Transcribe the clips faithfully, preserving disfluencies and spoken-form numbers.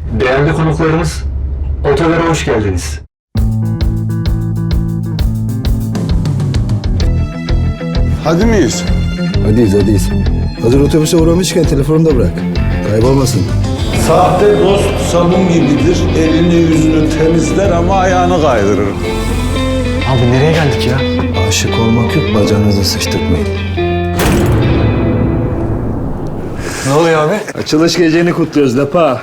Değerli konuklarımız, otogara hoş geldiniz. Hadi miyiz? Hadiyiz hadiyiz. Hazır otobüse uğramışken telefonu da bırak. Kaybolmasın. Sahte dost sabun gibidir. Elini yüzünü temizler ama ayağını kaydırır. Abi nereye geldik ya? Aşık olmak yok, bacağınızı sıçtırtmayın. Ne oluyor abi? Açılış geceni kutluyoruz Lapa.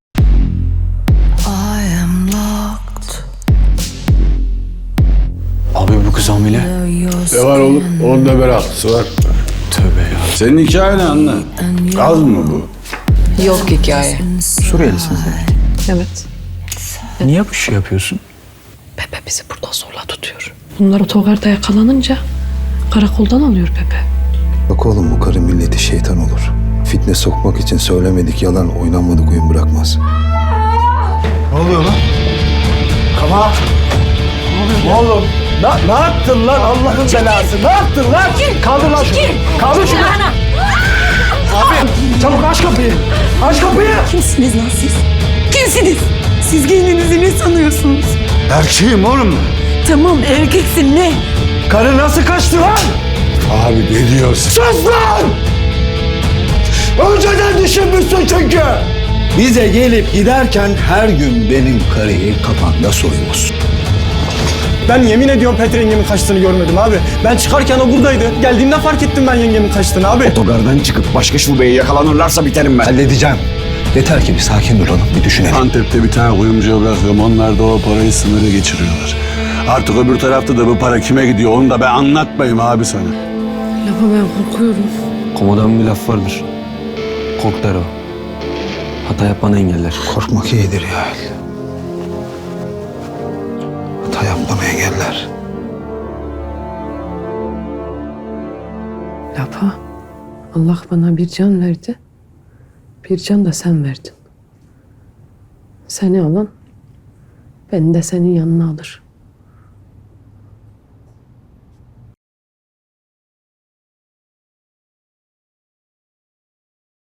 Abi bu kız hamile. Ne var oğlum? Onun da meraklısı var. Tövbe ya. Senin hikayen ne anne? Gaz mı bu? Yok hikaye. Suriyelisin sen. Evet. Niye bu şey yapıyorsun? Pepe bizi burada zorla tutuyor. Bunlar otogarda yakalanınca karakoldan alıyor Pepe. Bak oğlum, bu karı milleti şeytan olur. Fitne sokmak için söylemedik yalan, oynanmadık oyun bırakmaz. Ne oluyor lan? Kama. Ne oluyor? Oğlum ne, ne yaptın lan Allah'ın belası? Ne yaptın lan? Kaldır lan şunu. Kaldır şunu. Abi çabuk aç kapıyı. Aç kapıyı. Kimsiniz lan siz? Kimsiniz? Siz kendinizi ne sanıyorsunuz? Erkeğim oğlum. Tamam erkeksin ne? Karı nasıl kaçtı lan? Abi ne diyorsun? Sus lan! Önceden düşünmüşsün çünkü. Bize gelip giderken her gün benim karıyı kafanda soyuyorsun. Ben yemin ediyorum Petre yengemin kaçtığını görmedim abi. Ben çıkarken o buradaydı. Geldiğimde fark ettim ben yengemin kaçtığını abi. Otogardan çıkıp başka şubeye yakalanırlarsa biterim ben. Halledeceğim. Yeter ki bir sakin duralım, bir düşünelim. Antep'te bir tane kuyumcuya bırakıyorum. Onlar da o parayı sınırı geçiriyorlar. Artık öbür tarafta da bu para kime gidiyor onu da ben anlatmayayım abi sana. Lafa ben korkuyorum. Komodanın bir laf vardır. Kork der o. Hata yapmanı engeller. Korkmak iyidir ya. Hata yapmanı engeller. Lapa, Allah bana bir can verdi. Bir can da sen verdin. Seni alan, beni de senin yanına alır.